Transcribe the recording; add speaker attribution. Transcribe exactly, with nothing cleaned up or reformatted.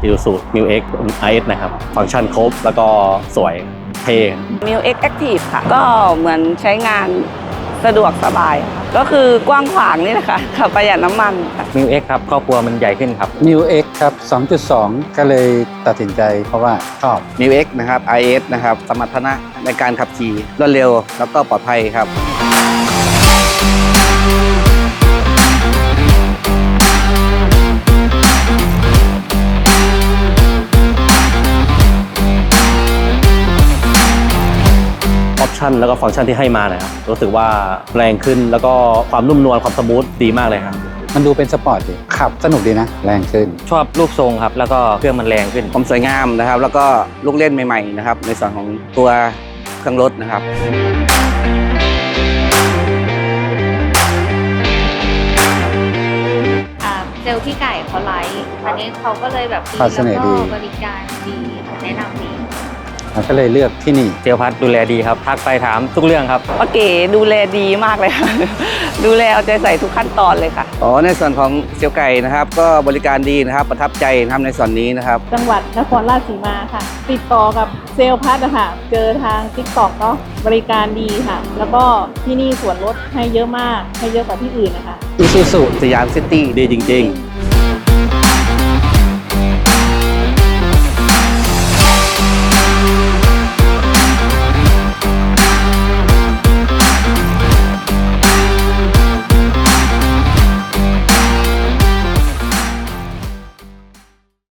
Speaker 1: Isuzu Mu X ไอ เอส นะครับฟังก์ชันครบแล้วก็สวยเท่
Speaker 2: Mu X Active ค่ะก็เหมือนใช้งานสะดวกสบายก็คือกว้างขวางนี่แหละค่ะขับประหยัดน้ำมันค่ะ
Speaker 3: มิว เอ็กซ์ ครับครอบครัวมันใหญ่ขึ้นครับ
Speaker 4: มิว X ครับ สองจุดสอง ก็เลยตัดสินใจเพราะว่าชอบ
Speaker 5: มิว X นะครับ ไอ เอส นะครับสมรรถนะในการขับขี่รวดเร็วแล้วก็ปลอดภัยครับ
Speaker 1: ออปชันแล้วก็ฟังก์ชันที่ให้มานะครับรู้สึกว่าแรงขึ้นแล้วก็ความนุ่มนวลความสมูทดีมากเลยครับ
Speaker 4: มันดูเป็นสปอร์ตดีขับสนุกดีนะ แรงขึ้น
Speaker 3: ชอบรูปทรงครับแล้วก็เครื่องมันแรงขึ้น
Speaker 5: ความสวยงามนะครับ แล้วก็ลูกเล่นใหม่ๆนะครับในส่วนของตัวเครื่องรถนะครับ
Speaker 6: อ่าเซลล์ที่ไก่เขาไลฟ์อันนี้เขาก็เลยแบบดี
Speaker 4: ความเสน่ห์
Speaker 6: แล้ว
Speaker 4: ดี
Speaker 6: ก็บริการดีแนะนำดี
Speaker 4: มันก็เลยเลือกที่นี่
Speaker 3: เซลลพัดดูแลดีครับ ทักไปถามทุกเรื่องครับ
Speaker 2: ป้าเก๋ดูแลดีมากเลยค่ะ ดูแลเอาใจใส่ทุกขั้นตอนเลยค่ะ
Speaker 5: อ๋อในส่วนของเซลล์ไก่นะครับก็บริการดีนะครับประทับใจนะครับในส่วนนี้นะครับ
Speaker 7: จังหวัดนครราชสีมาค่ะ ติดต่อกับเซลล์พัดอะค่ะ เจอทาง ติ๊กต็อก เนาะบริการดีค่ะ แล้วก็ที่นี่ส่วนลดให้เยอะมาก ให้เยอะกว่าที่อื่นนะคะ
Speaker 4: Isuzu
Speaker 5: สยามซิตี้
Speaker 1: ดีจริง ๆ